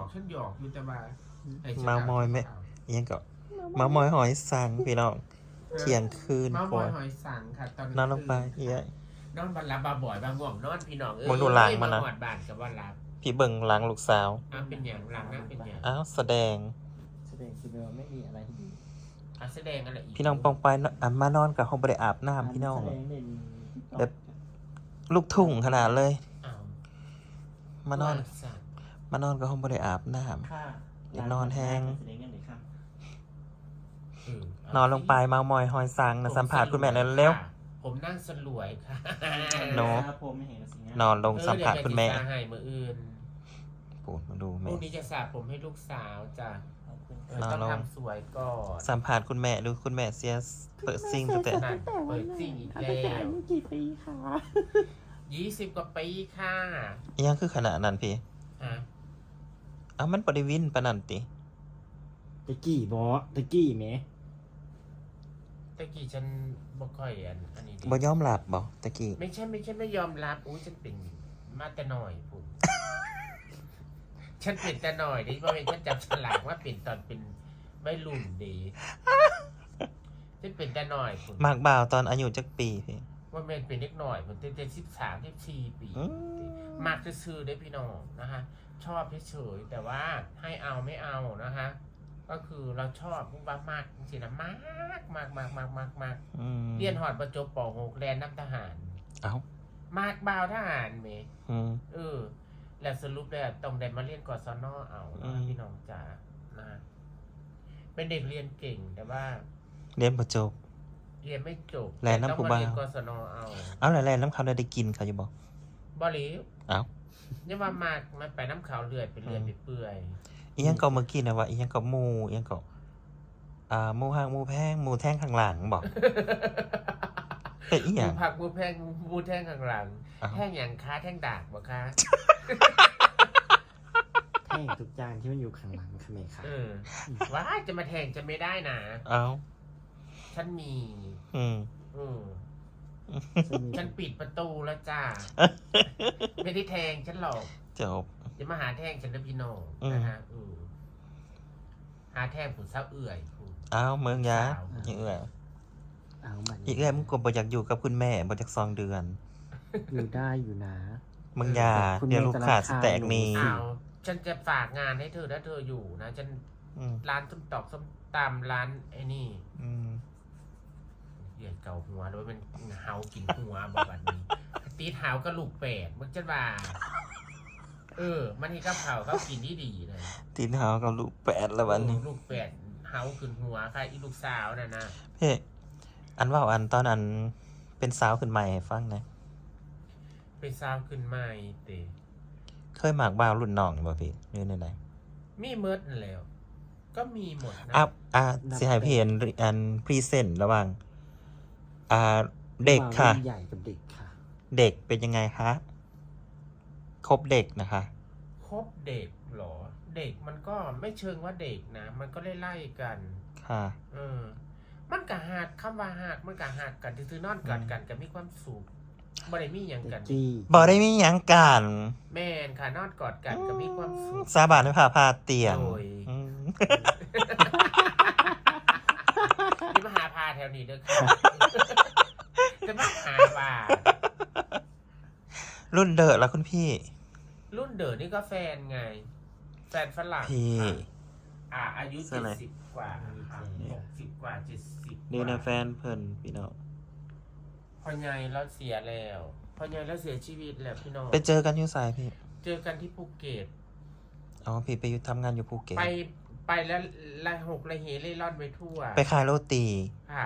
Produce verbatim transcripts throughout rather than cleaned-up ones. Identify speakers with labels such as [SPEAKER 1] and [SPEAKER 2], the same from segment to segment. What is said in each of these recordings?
[SPEAKER 1] ฉันหยอกอยู่แต่ว่า
[SPEAKER 2] เมามอยไหมยังก็เมามอยหอยสังพี่น้องเที่ยงคืน
[SPEAKER 1] เมามอยหอยสังค่ะตอน
[SPEAKER 2] นอนลงไปเฮ้ย
[SPEAKER 1] นอนบันลับบาบ่อยบางง่วงนอนพี่น้องเอ้ย
[SPEAKER 2] มึงดูหลังมันนะ
[SPEAKER 1] หอดบ้านกับว่ารับ
[SPEAKER 2] พี่เบิ่งหลังลูกสาว
[SPEAKER 1] อ้าวเป็นอย่างหลังนั่งเป็นอย่าง
[SPEAKER 2] อ้าวแสดง
[SPEAKER 3] แสดงคือเราไม่มีอะไรดี
[SPEAKER 1] อ่ะแสดงอะไรอีก
[SPEAKER 2] พี่น้องปองไปอ่ะมานอนกับห้องบริอาบน้ำพี่น้อง
[SPEAKER 3] แสดงเด่น
[SPEAKER 2] แบบลูกทุ่งขนาดเลย
[SPEAKER 1] อ้าว
[SPEAKER 2] มานอน
[SPEAKER 1] ว่าสัตว์
[SPEAKER 2] มานอนกับห้องบริอาบน้
[SPEAKER 3] ค่า
[SPEAKER 2] อย่านอนแห้ง
[SPEAKER 3] แสดงเงินเลยค่ะ
[SPEAKER 1] เออ
[SPEAKER 2] ำนอนลงไปเมามอยหอยสังนะสัมผัสคุณแม่เลยเร็ว
[SPEAKER 1] ผมนั่งสลวยค่ะ
[SPEAKER 2] โน้
[SPEAKER 3] ครับผมไม่เห็นสิง
[SPEAKER 2] นอนลงสัมผัสคุณแม่
[SPEAKER 1] เออเดี๋ยวจะให้มืออื่น
[SPEAKER 2] ปูดมาดู
[SPEAKER 1] พ
[SPEAKER 2] แม่
[SPEAKER 1] รุ่งนี้จะสระผมให้ลูกสาวจ้ะ
[SPEAKER 3] ขอบคุณ
[SPEAKER 1] เออต้องทำสวยก่อน
[SPEAKER 2] สัมผัสคุณแม่ดูคุณแม่เสียเปิดซิงตั้งแต่
[SPEAKER 1] นั่นเปิดซิ่งอีกแล้
[SPEAKER 3] ตั้งแต่
[SPEAKER 1] ว
[SPEAKER 3] อายุกี่ปีคะ
[SPEAKER 1] ยี่สิบกว่าปีค่ะ
[SPEAKER 2] ยังคือขนาดนั้นพี่
[SPEAKER 1] ฮะ
[SPEAKER 2] อ้าวมันบริวินปะนันติ
[SPEAKER 3] ตะกี้บอตะกี้ไหม
[SPEAKER 1] ตะกี้ฉันบ่ค่อยอันอันนี้ดิ
[SPEAKER 2] บ่ยอมหลับบ่ตะกี้
[SPEAKER 1] ไม่ใช่ไม่ใช่ไม่ยอมรับอุ้ยฉันเป็นมาแต่หน่อยผม ฉันเป็นแต่หน่อยดิเพราะเป็นฉันจับฉลากว่าเป็นตอนเป็นไม่รุ่นดีฉันเป็นแต่หน่อยผม
[SPEAKER 2] มากบ่าวตอนอายุจักปีพี่
[SPEAKER 1] ว่าแม่นเป็นเล็กหน่อยผมเต็มสิบสามสิบสี่ปี
[SPEAKER 2] อืม
[SPEAKER 1] มากจะซื้อได้พี่น้องนะฮะชอบเฉยๆแต่ว่าให้เอาไม่เอานะฮะก็คือเราชอบมุกว่ามากจริงๆนะมากมากมากมากมากมาก
[SPEAKER 2] อืม
[SPEAKER 1] เรียนหอดประจบปหกแลนน้ำทหาร
[SPEAKER 2] เอ้าม
[SPEAKER 1] ากบ่าวทหารเม
[SPEAKER 2] อืม
[SPEAKER 1] เออ แล้วสรุปแล้วต้องได้มาเรียนกศนเอา
[SPEAKER 2] อื
[SPEAKER 1] นะ
[SPEAKER 2] ม
[SPEAKER 1] พี่น้องจ๋านะฮะเป็นเด็กเรียนเก่งแต่ว่า
[SPEAKER 2] เรียนบ่จบ
[SPEAKER 1] เรียนไม่จบ
[SPEAKER 2] แลนน้ำ
[SPEAKER 1] ต้อง
[SPEAKER 2] ผู้
[SPEAKER 1] มา
[SPEAKER 2] บ่าว
[SPEAKER 1] เรียนกศนเอา
[SPEAKER 2] เอาแล้วแล้วน้ำเขาได้กินเขาอยู่บ่
[SPEAKER 1] บริว
[SPEAKER 2] เอ้า
[SPEAKER 1] เนี่ยว่ามากมันไปน้ำขาวเลือดไปเลือดไปเปื่อย
[SPEAKER 2] อีหยังก็เมื่อกี้นะว่าอีหยังก็หมูอีหยังก็อ่าหมูห่างหมูแพงหมูแท่งข้างหลังบอกเป็นอีห
[SPEAKER 1] มู
[SPEAKER 2] ยัง
[SPEAKER 1] ผักมูแพงมูแท่งข้างหลัง
[SPEAKER 2] อ้าว
[SPEAKER 1] แท่งอย่างค้าแท่งดากบ่คะ
[SPEAKER 3] แท่งทุกจานที่มันอยู่ข้างหลังค่ะแม่ค่ะ
[SPEAKER 1] เออว้ายจะมาแทงจะไม่ได้นะ
[SPEAKER 2] เอ้า
[SPEAKER 1] ฉันมี
[SPEAKER 2] อืม
[SPEAKER 1] อืม
[SPEAKER 3] ซึ่งมี
[SPEAKER 1] ฉันปิดประตูแล้วจ้า ไม่ได้แทงฉันหรอก
[SPEAKER 2] จบ
[SPEAKER 1] จะมาหาแท่งฉันนะพี่น้อง
[SPEAKER 2] อืม
[SPEAKER 1] นะฮะอืมหาแท่งผุนเศร้าเอื่อยผุน
[SPEAKER 2] เอ้าเมืองยา
[SPEAKER 1] สาว
[SPEAKER 2] อีเอื้อย
[SPEAKER 3] เอาบัตร
[SPEAKER 2] อีเอื้อยมึงก็บ่อยากอยู่กับคุณแม่บ่อยากซองเดือน
[SPEAKER 3] อยู่ได้อยู่นะ
[SPEAKER 2] มึงอยา
[SPEAKER 3] คุณแม่
[SPEAKER 2] เดี๋ยวลูกค้าสแตกนี่
[SPEAKER 1] อ้าวฉันจะฝากงานให้เธอถ้าเธออยู่นะฉัน
[SPEAKER 2] อืม
[SPEAKER 1] ร้านส้มตอกส้มตำร้านไอ้นี่
[SPEAKER 2] อืม
[SPEAKER 1] เหยียดเก่าหัวโดยมันเฮากินหัวบอกแบบนี้ ตีเท้าก็ลูกแปดมึงจะว่าเออ มันให้กับเขาเขากินที่ดีเลย
[SPEAKER 2] ตีนเท้ากับลูกแปดแล้ววันนี้
[SPEAKER 1] เออลูกแปดเฮาขึ้นหัวค่ะอีลูกสาวน่ะนะ
[SPEAKER 2] เพ่อันว่าอันตอนอันเป็นสาวขึ้นใหม่ให้ฟังหนะ
[SPEAKER 1] เป็นสาวขึ้นใหม่เตะ
[SPEAKER 2] เคยหมากบ่าวรุ่นน้องบ่พี่หรือในไหน
[SPEAKER 1] มีเมิดนั่นแหล้ว ก็มีหมดนะ
[SPEAKER 2] อ่ะอ่ะสิให้พี่เห็นอันพรีเซนต์ระหว่างอ่าเด็กค่ะ
[SPEAKER 3] วามใหญ่กับเด็กค่ะ
[SPEAKER 2] เด็กเป็นยังไงคะครบเด็กนะคะ
[SPEAKER 1] ครบเด็กเหรอ เด็กมันก็ไม่เชิงว่าเด็กนะ มันก็ไล่ๆกัน
[SPEAKER 2] ค่ะ
[SPEAKER 1] เออ มันกะหักคำว่าหักมันกะหักกันซื้อๆนอนกอดกันก็มีความสุขบ่ได้มีหยัง
[SPEAKER 3] แต่
[SPEAKER 1] กัน
[SPEAKER 3] จี้
[SPEAKER 2] บอกได้มีหยังกัน
[SPEAKER 1] แม่นค่ะนอนกอดกันก็มีความสุข
[SPEAKER 2] สาบานไม่พาพาเตียง
[SPEAKER 1] โดย
[SPEAKER 2] อืม
[SPEAKER 1] นี่มาหาพาแถวนี้เด้อค่ะ จะมาหาว่า
[SPEAKER 2] รุ่นเดอะแล้วคุณพี่
[SPEAKER 1] รุ่นเด๋อนี่ก็แฟนไง แฟนฝรั่ง
[SPEAKER 2] พี่
[SPEAKER 1] ค่ะอ่า อายุ
[SPEAKER 2] เสื้
[SPEAKER 1] เจ็
[SPEAKER 2] ออะไร
[SPEAKER 1] ดสิบกว่าค่ะหกสิบกว่าเจ็ดสิบ
[SPEAKER 2] นี่นะแฟนเพิ่นพี่น้อง
[SPEAKER 1] พ่อใหญ่แล้วเสียแล้วพ่อใหญ่แล้วเสียชีวิตแล้วพี่น้อง
[SPEAKER 2] ไปเจอกันอยู่สายพี่
[SPEAKER 1] เจอกันที่ภูเก็ต
[SPEAKER 2] อ๋อพี่ไปอยู่ทำงานอยู่ภูเก็ต
[SPEAKER 1] ไปไปแล้วละหกละเหเล่ร่อนไปทั่ว
[SPEAKER 2] ไปขายโรตี
[SPEAKER 1] ค่ะ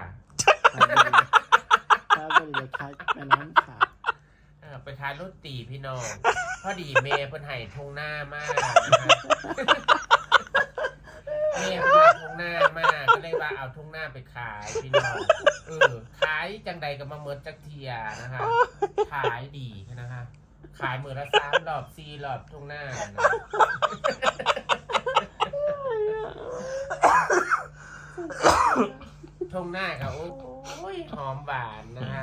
[SPEAKER 3] ถ้าบริเลยคล้ายแม่น้ำค่ะ
[SPEAKER 1] เออไปขายรถตีพี่น้อง พอดีเมย์เพิ่นให้ทงหน้ามากนะคะเมย์เพิ่นให้ทงหน้ามากก็เลยว่าเอาทงหน้าไปขายพี่น้องเออขายจังใดก็มาเมิดจักเทียนะคะขายดีนะคะ ขายมือละสามรอบสี่รอบทงหน้านะทงหน้าค่ะโอ้ยหอมหวานนะคะ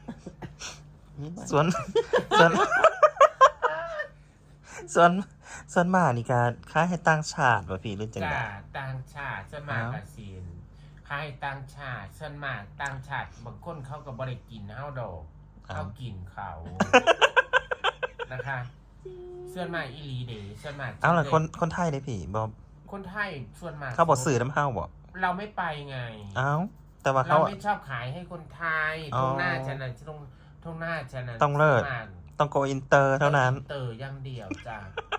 [SPEAKER 2] ส่วนส่วนส่วนส่วนมากนี่การค้ายให้ต่างชาติว่าพี่หรือจัง
[SPEAKER 1] จ้า
[SPEAKER 2] ได๋
[SPEAKER 1] ต่างชาติส่วนมาก
[SPEAKER 2] อ้าว
[SPEAKER 1] กับซีนใครต่างชาติส่วนมากต่างชาติบางคนเขาก็บ่ได้กินเฮาดอกเขากินเขา นะคะส่วนมากอีหลีเด้ส่วนมาก
[SPEAKER 2] เอาล่ะคนคนไทยเด้พี่บ่
[SPEAKER 1] คนไทยส่วนมาก
[SPEAKER 2] เขาบ่ซื้อน้ำเฮาบ่
[SPEAKER 1] เราไม่ไปไง
[SPEAKER 2] เอ้าแต่ว่า
[SPEAKER 1] เรา
[SPEAKER 2] เขา
[SPEAKER 1] ไม่ชอบขายให้คนไทย
[SPEAKER 2] อ๋อ
[SPEAKER 1] ตรงหน้าฉันน่ะตรงตรงหน้าฉันน่ะ
[SPEAKER 2] ต้องเลิศ
[SPEAKER 1] ส่วนมาก
[SPEAKER 2] ต้องโกอินเตอร์เท่านั้น
[SPEAKER 1] เตอร์อย่างเดียวจ้า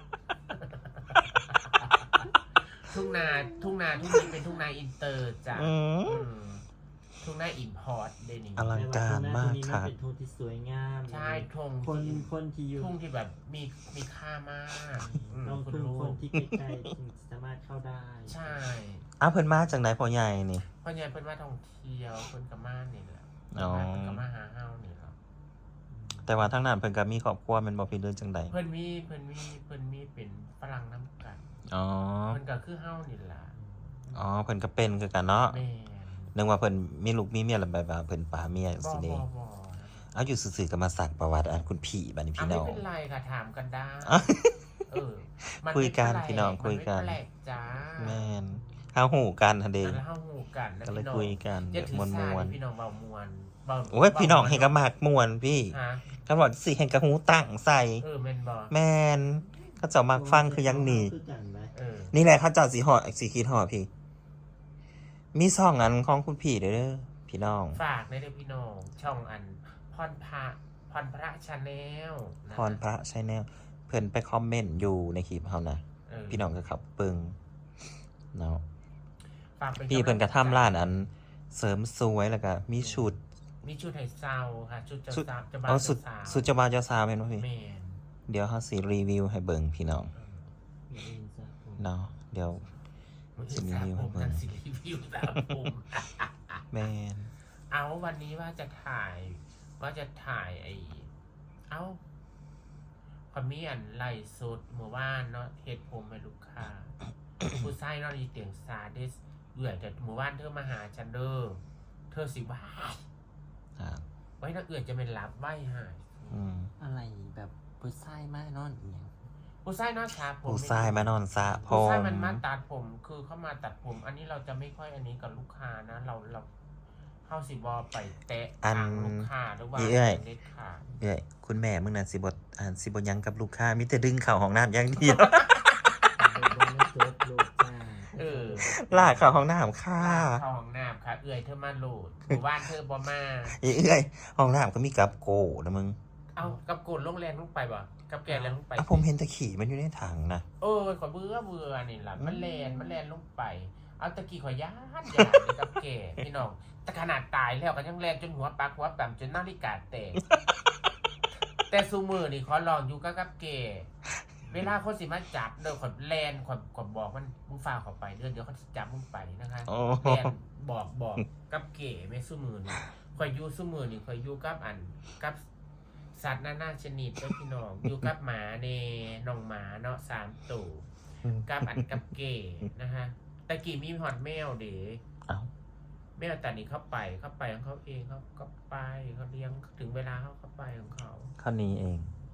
[SPEAKER 1] ทุ่งนาทุ่งนาทุ่งนี้เป็นทุ่งนาอินเตอร์จ้ะ
[SPEAKER 2] อืม
[SPEAKER 1] อืมทุ่งนาอินพอร์ตเดนิ
[SPEAKER 2] อลังการมากค่ะ
[SPEAKER 3] เป็นทุ่งที่สวยงาม
[SPEAKER 1] ใช่ทุ่ง
[SPEAKER 3] คน
[SPEAKER 1] ที่
[SPEAKER 3] คนที่อยู่
[SPEAKER 1] ทุ่งที่แบบมีมีค่ามากอืม
[SPEAKER 3] ต้อง
[SPEAKER 1] คุณ
[SPEAKER 3] ทุ่ง
[SPEAKER 1] รู้
[SPEAKER 3] คนที่ใกล้ๆถึงสามารถเข้าได้
[SPEAKER 1] ใช่
[SPEAKER 2] อ้าวเพิ่นมาจากไหนพ่อใหญ่นี่
[SPEAKER 1] เพราะเนี่ยเป็นว่าท่องเที่ยวเพิ่นกะมานี่แหละ
[SPEAKER 2] อ๋อ
[SPEAKER 1] เพิ่นกะมาหาเฮานี่แหละ
[SPEAKER 2] แต่ว่าทางนั้นเพิ่นก็มีครอบครัวแม่นบ่พี่หรือจังได๋
[SPEAKER 1] เพิ่นมีเพิ่นมีเพิ่นมีเป็นฝรั่งน้ำกัน
[SPEAKER 2] อ๋อ
[SPEAKER 1] เพิ่นก็คือเฮานี่ล่ะ
[SPEAKER 2] อ๋อเพิ่นก็เป็นคือกันเนาะ
[SPEAKER 1] แม่น
[SPEAKER 2] นึกว่าเพิ่นมีลูกมีเมียแล้วแบบว่าเพิ่นปาเมีย
[SPEAKER 1] บ่
[SPEAKER 2] สิ
[SPEAKER 1] บ่
[SPEAKER 2] เด้
[SPEAKER 1] บ่
[SPEAKER 2] เอาอยู่ซื่อๆก็มาสักประวัติอันคุณพี่บัดนี้
[SPEAKER 1] อ่ะ
[SPEAKER 2] พี่
[SPEAKER 1] ไม่
[SPEAKER 2] น้อง
[SPEAKER 1] เป็นไรค่ะถามกันได้
[SPEAKER 2] อ่ะ
[SPEAKER 1] เออมั
[SPEAKER 2] คุยกัน
[SPEAKER 1] ไม่แปล
[SPEAKER 2] พี่น้องคุยกัน
[SPEAKER 1] มัไม่แปลกจ้า
[SPEAKER 2] แม่นเฮาฮู้กันหั่นเด้
[SPEAKER 1] แล้วเฮาฮู้กันนะ
[SPEAKER 2] ก็เลย
[SPEAKER 1] พี่น้อง
[SPEAKER 2] คุยกัน
[SPEAKER 1] อย่า
[SPEAKER 2] แบบ
[SPEAKER 1] ถือ
[SPEAKER 2] ม
[SPEAKER 1] สา
[SPEAKER 2] วน
[SPEAKER 1] ดิพี่น้องเบามวนเบา
[SPEAKER 2] ๆโอ้ยพี่น้องให้ก็มากม่วนพี่
[SPEAKER 1] ฮะ
[SPEAKER 2] ก็บอกสิให้กระหูตั้งใส่
[SPEAKER 1] เออแม่นบ่
[SPEAKER 2] แม่นเขาเจ้ามักฟังคือยังนี่
[SPEAKER 3] คือกันไหม
[SPEAKER 1] เออ
[SPEAKER 2] นี่แหละเขาเจ้าสิฮอดสิคิดฮอดพี่ มีซ่องอันของคุณพี่เด้อเด้อพี่น้อง
[SPEAKER 1] ฝากในเด้อพี่น้องช่องอันพรพระพรพระชาแนล
[SPEAKER 2] พรพระชแนลเพิ่นไปคอมเมนต์อยู่ในคลิปเฮานะ
[SPEAKER 1] เออ
[SPEAKER 2] พี่น้องก็ขับเบิ่งเนาะ
[SPEAKER 1] ฝากเป็น
[SPEAKER 2] พี่เพิ่นก็ทำร้านอันเสริมสวยแล้วก็มีชุด
[SPEAKER 1] มีชุดให้เซาค่ะชุดเจ้า
[SPEAKER 2] ชุด
[SPEAKER 1] สาวเจ้าบ่าว
[SPEAKER 2] เอาสุด
[SPEAKER 1] เจ้าสาว
[SPEAKER 2] สุดเจ้าบ่าวเจ้าสาวแม่นบ่พี่
[SPEAKER 1] แม่น
[SPEAKER 2] เดี๋ยวเฮาสิรีวิวให้เบิ่งพี่น้อง
[SPEAKER 3] อย่าลืมสระผม
[SPEAKER 2] เนาะเดี๋ยว
[SPEAKER 1] มัน
[SPEAKER 2] สิ
[SPEAKER 1] คือ
[SPEAKER 2] รี
[SPEAKER 1] สาว
[SPEAKER 2] วิว
[SPEAKER 1] ผ
[SPEAKER 2] ให้
[SPEAKER 1] ม
[SPEAKER 2] เบิ่ง
[SPEAKER 1] นั่นสิรีวิวสาวผม
[SPEAKER 2] แม่น
[SPEAKER 1] เอาวันนี้ว่าจะถ่ายว่าจะถ่ายไอ้เอ้าพอมีอันไล่สดเมื่อวานเนาะเฮ็ดผมให้ลูกค้า ผู้ชายเนาะอีเตียงซาเดสเอื่อยแต่เมื่อวานเธอมาหาฉันเด้อเธอสิว่า
[SPEAKER 2] อ่า
[SPEAKER 1] ไว้นักเอื่อยจะเป็นรับไหว้หาย
[SPEAKER 2] อืม
[SPEAKER 3] อะไรแบบผู้ชายมากนอนอีหยัง
[SPEAKER 1] ผู้ชายเนาะครับผม
[SPEAKER 2] ผู้ชายมานอนสระผ
[SPEAKER 1] ผู้
[SPEAKER 2] ม
[SPEAKER 1] ชายมันมาตัดผมคือเข้ามาตัดผม อันนี้เราจะไม่ค่อยอันนี้กับลูกค้านะ เราเราเข้าสิบอไปแตะทางลูกค้าหรือว่าเด็ดขาด
[SPEAKER 2] เอ้ยคุณแม่มึงน่ะสิบ่อ่านสิบ่หยังกับลูกค้ามีแต่ดึงเข้าห้องน้ำอย่างเดียว
[SPEAKER 3] เอาไปบนจบลูกจ้า
[SPEAKER 1] เออ
[SPEAKER 2] ลากเข้าห้องน้ำค่ะ
[SPEAKER 1] เข้าห้องน้ำค่ะ เอื่อยเธอมาโหลดหมู่บ้านเธอบอมา
[SPEAKER 2] เอ้ยห้องน้ำก็มีกับโกนะมึง
[SPEAKER 1] เอากับโกนลงแรงลงไปบ่กับแกนแรงลงไป
[SPEAKER 2] อ่ะผมเห็นแตะขี่มันอยู่ในถังนะ
[SPEAKER 1] เออขอยเบื่อเบื่อนี่ล่ะมันแลนมันแลนลงไป เอาตะกี้ขอยย่านย่านเลยกับแกพี่น้องแต่ขนาดตายแล้วก็ยังแลนจนหัวปักหัวแปมจนนาฬิกาแตก แต่ซูมือนี่ขอลองอยู่กับกับแกเวลาคนสิมาจับเด้อขอยแลนขอยขอยบอกมันมึงฟ้าเขอไปเด้อเดี๋ยวเขาสิจับมึงไปนะคะ
[SPEAKER 2] โอ้
[SPEAKER 1] แลนบอกบอกกับเก๋แม่ซูมือนี่ขอยอยู่ซูมือนี่ขอยอยู่กับอันกับสัตว์นานาชนิดเด้อพี่น้องอยู่กับหมาเนน้องหมาเนาะสามตัวกับอันกับเก๋นะฮะตะกี้มีหอดแมวเด้
[SPEAKER 2] เอ้า
[SPEAKER 1] แมวแต่นี้เข้าไปเข้าไปของเขาเองเขาก็ไปเขาเลี้ยงถึงเวลาเขาเข้าไปของเขา
[SPEAKER 2] ข้านี้เอง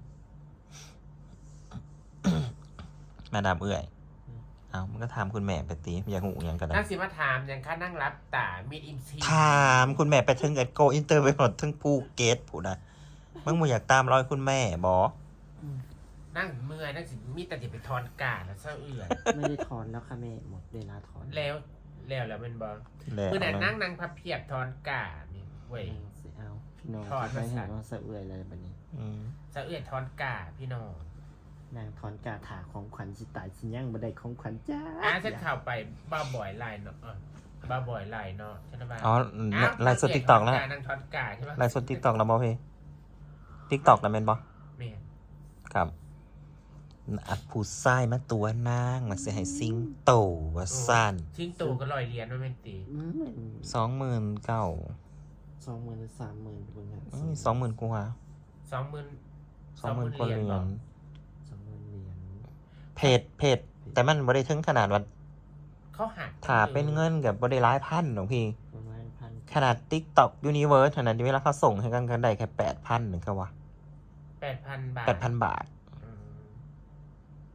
[SPEAKER 2] มาดามเอื่อย เอ้ามันก็ถามคุณแม่ไปตีอยากหูหยังก็ได้
[SPEAKER 1] นั่งสิมาถามอย่างค่านั่งรับตามีดอิมซี
[SPEAKER 2] ถามคุณแม่ไปถึงเอ็ดโกอินเตอร์ไปหมดถึงภูเก็ตผู้นะมึงบ่อยากตามรอยคุณแม่บอ
[SPEAKER 1] นั่งเมื่อยนั่งสิมีแต่ติไปทอนกาดแล้วเศร้าเอื่อย
[SPEAKER 3] ไม่ได้ถอนแล้วค่ะแม่หมดเวลาถอน
[SPEAKER 1] แล้วแล้วแล้วเป็นบอ
[SPEAKER 2] แล้ว
[SPEAKER 1] คือนั่งนั่งนั่งพับเพียบทอนกาดนี่เว้ย
[SPEAKER 3] สิเอาพี่น้อง
[SPEAKER 1] ถอน
[SPEAKER 3] ไม่
[SPEAKER 1] มาใส่
[SPEAKER 3] เห็นว่าสะเอื่อยเลยบัดนี้
[SPEAKER 2] อืม
[SPEAKER 1] เศร้าเอื่อยทอนกาดพี่น้อง
[SPEAKER 3] นางถอนกาถาของขวัญสิตายสิยังบ่ได้ของขวัญจ้า
[SPEAKER 1] อ่ะฉันเข้าไปบ้าบ่อยไลน์เนาะอ่ะบ้าบ่อยไลน์เนาะใช่ไหมบ้า
[SPEAKER 2] อ๋อไลฟ์สดติ๊กต็อกแล้ว
[SPEAKER 1] นั่งทอนกาดใช่ไหม
[SPEAKER 2] ไลฟ์สดติ๊กต็อกแล้วบอพี่ติ๊กต็อกแล้วแม่นบอ
[SPEAKER 1] แม่น
[SPEAKER 2] ครับอัดผู้ชายมาตัวนางมาเสียให้ซิงโตว่าสั้น
[SPEAKER 1] ทิ้งตูก็ลอยเรียนว่าเป็นตี
[SPEAKER 3] อืม
[SPEAKER 2] สองหมื่นเก้า
[SPEAKER 3] สองหมื่นหรือสามหมื่นเบิ่งหา
[SPEAKER 2] สองหมื่นกว่า
[SPEAKER 1] สองหมื่น
[SPEAKER 2] สองหมื่นกว่าเหรียญ
[SPEAKER 3] สองหมื่นเหรียญ
[SPEAKER 2] เพจเพจแต่มันบ่ได้ถึงขนาดว่า
[SPEAKER 1] เขาหัก
[SPEAKER 2] ถ้าเป็นเงินกับบ่ได้หลายพันหรอกพี่
[SPEAKER 3] ประมาณพัน
[SPEAKER 2] ขนาด TikTok Universe ขนาดที่เวลาเขาส่งให้กันกันได้แค่แปดพันหนึ่งก็ว่า
[SPEAKER 1] แปดพันบาท
[SPEAKER 2] แปดพันบาท
[SPEAKER 1] อืม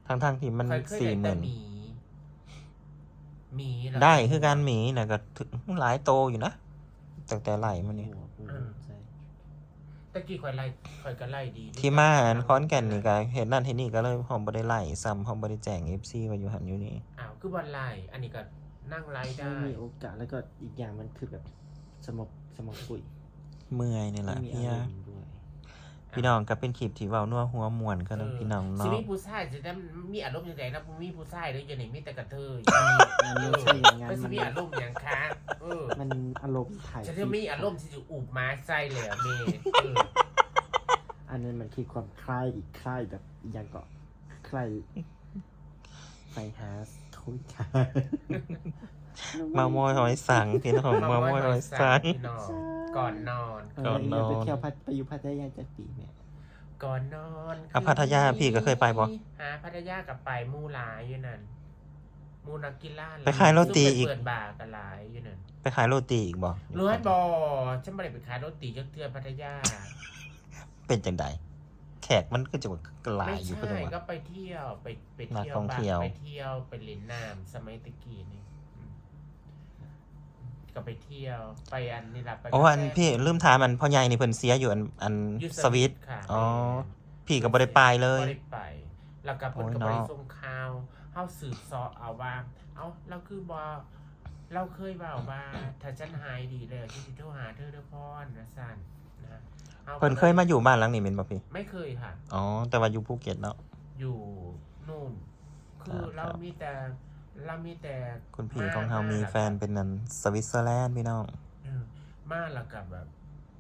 [SPEAKER 2] ทั้งทั้งๆที่มัน
[SPEAKER 1] เคยเคย
[SPEAKER 2] สี่
[SPEAKER 1] ได้
[SPEAKER 2] ห
[SPEAKER 1] แต่
[SPEAKER 2] มื่น
[SPEAKER 1] หมีหมีแล้ว
[SPEAKER 2] ได้คือการหมีนะก็ถึงหลายโตอยู่นะตั้งแต่ไหลมานี่
[SPEAKER 3] หัวกูใจ
[SPEAKER 1] ตะกี้ข่อยไล่ข่อยก็ไล่ดี
[SPEAKER 2] ที่มาอันค้อนแก่นนี่ก็เห็นนั่นเห็นนี่ก็เลยหอมบ่ได้ไล่ซ้ำหอมบ่ได้แจ้ง เอฟ ซี ว่าอยู่หันอยู่นี่
[SPEAKER 1] อ้าวคือบ่ไล่อันนี้ก็นั่งไล่
[SPEAKER 3] ไม่
[SPEAKER 1] ได้
[SPEAKER 3] มีโอกาสแล้วก็อีกอย่างมันคือแบบสมองสมองปุ๋ย
[SPEAKER 2] เมื่อยนี่แหละ
[SPEAKER 3] ไม่มี
[SPEAKER 2] พี่
[SPEAKER 3] อาร
[SPEAKER 2] ยาม
[SPEAKER 3] ณ์ด้วย
[SPEAKER 2] พี่น้องก็เป็นคลิปที่เว้านัวหัวม่วนกันนะ
[SPEAKER 1] เออ
[SPEAKER 2] พี่น้อง
[SPEAKER 1] สิ
[SPEAKER 2] เนาะ
[SPEAKER 1] มีผู้ชายจะได้มีอารมณ์จังไดนะบ่มีผู้ชายเลยอยู่นี่มีแต่กระเทย
[SPEAKER 3] มันไม่ใช่อย่างนั้น
[SPEAKER 1] มันสิ
[SPEAKER 3] มัน
[SPEAKER 1] มีอารมณ์หยังคะเออ
[SPEAKER 3] มันอารมณ์ถ่าย
[SPEAKER 1] ฉันจะมีอารมณ์ที่จะอุบมาใส่เลยอะเมย์เออ
[SPEAKER 3] อันนั้นมันคือความคลายอีกคลายแบบอีกอย่างก็คลายไฟฮาสทุยค่ะ
[SPEAKER 2] มามอยหอยสังพี่น้องมามอยหอยสัง
[SPEAKER 1] พี่น้องก่อนนอน
[SPEAKER 3] เออ
[SPEAKER 2] ก่อนนอน
[SPEAKER 3] ไปเที่ยวพัทไปอยู่พัทยาจะปีเนี่ย
[SPEAKER 1] ก่อนนอน
[SPEAKER 2] อ่ะพัทยาพี่ก็เคยไปบ่
[SPEAKER 1] หาพัทยากับไปมู่หลายอยู่นั่นมู่นักกีฬา
[SPEAKER 2] ไปขายโรตีอีก
[SPEAKER 1] ซุ่มไปเปิดบาร์กันหลายอยู่นั่น
[SPEAKER 2] ไปขายโรตีอีกบ่
[SPEAKER 1] รู้ให้บอฉันไม่ได้ไปขายโรตีจักเทือพัทยา
[SPEAKER 2] เป็นจังไดแขกมันก็จะหลาย
[SPEAKER 1] ไม่
[SPEAKER 2] อยู่
[SPEAKER 1] ใช่
[SPEAKER 2] ก็จังหวะ
[SPEAKER 1] ก็ไปเที่ยวไปไป
[SPEAKER 2] นัก
[SPEAKER 1] เที่ยว
[SPEAKER 2] ท่อง
[SPEAKER 1] บ้า
[SPEAKER 2] เที่ยว
[SPEAKER 1] ไปเที่ยวไปเล่นน้ำสมัยตะกี้นี่อืมก็ไปเที่ยวไปอันนี่ละไป
[SPEAKER 2] อ๋ออัน
[SPEAKER 1] กาแฟ
[SPEAKER 2] พี่ลืมถามอันพ่อใหญ่นี่เพิ่นเสียอยู่อันอัน
[SPEAKER 1] อยู่
[SPEAKER 2] สวิต
[SPEAKER 1] ค่ะ
[SPEAKER 2] อ๋อ พี่ก็บ่ได้ไปเลย
[SPEAKER 1] บ่ได้ไป แล้วก็เพิ่น
[SPEAKER 2] โอ้ย
[SPEAKER 1] ก็บ่ได้
[SPEAKER 2] เนาะ
[SPEAKER 1] ส่งข่าวเฮาสืบเสาะเอาว่า เอ้าเราคือบ่เราเคยเว้าว่า ถ้าฉันหายดีแล้วฉันสิโทรหาเธอเด้อพรนะซั่นนะฮาก็
[SPEAKER 2] เพิ่นเคยมาอยู่บ้านหลังนี้แม่นบ่พี่
[SPEAKER 1] ไม่เคยค่ะ
[SPEAKER 2] อ๋อ แต่ว่าอยู่ภูเก็ตเนาะ
[SPEAKER 1] อยู่นู่น คือ
[SPEAKER 2] ครับ
[SPEAKER 1] เรามีแต่เรามีแต่
[SPEAKER 2] คุณพี่ของเฮามีแฟนเป็นนันสวิตเซอร์แลนด์พี่น้อง
[SPEAKER 1] เออมาแล้วกับแบบ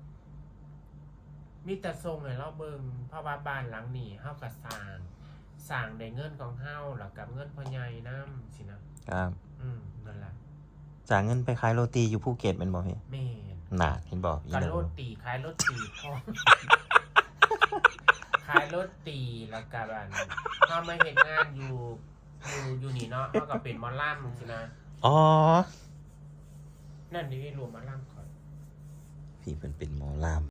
[SPEAKER 1] มีแต่ทรงให้เราเบิ่งเพราะว่าบ้านหลังนี้เฮาก็สร้างสร้างได้เงินของเฮาแล้วกับเงินพ่อใหญ่นำสินะครับ อืมนั่นล่ะ
[SPEAKER 2] จากเงินไปขายโรตีอยู่ภูเก็ตแม่นบ่พี่
[SPEAKER 1] แม่น
[SPEAKER 2] น่ะเห็นบ่อี
[SPEAKER 1] กับ
[SPEAKER 2] นั่น
[SPEAKER 1] โรตีขายโรตีพร้อม ขายโรตีแล้วกับอันเฮามาเฮ็ดงานอยู่อยู่อยู่นี่เนาะเฮาก็เป็นหมอลำสินะ
[SPEAKER 2] อ๋อ
[SPEAKER 1] นั่นนี่รวมหมอลำก่อน
[SPEAKER 2] พี่เพิ่นเป็นหมอลำ